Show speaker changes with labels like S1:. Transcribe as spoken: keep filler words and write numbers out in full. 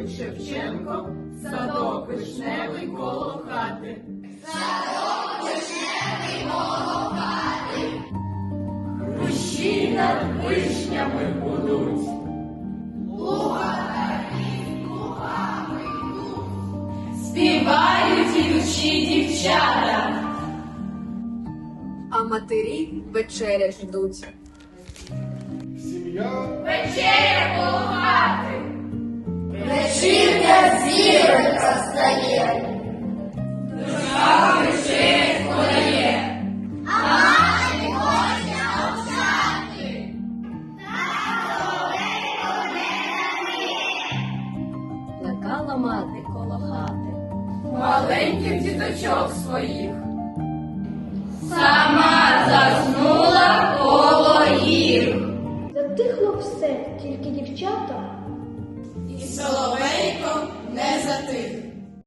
S1: говорить Шевченко, садок вишневий коло хати. Садок вишневий коло хати. Хрущі над вишнями будуть. Лугами, лугами йдуть. Співають ідучі дівчата.
S2: А матері вечеря ждуть.
S3: Сім'я
S1: Вечеря коло хати.
S4: Вечірня зіронька стає,
S1: Душа вечерять подає.
S4: а мати хоче навчати.
S2: Плекала мати коло хати.
S1: Маленьких діточок своїх. Сама заснула коло їх.
S5: Затихло все, тільки дівчата.
S1: І соловейко не затих.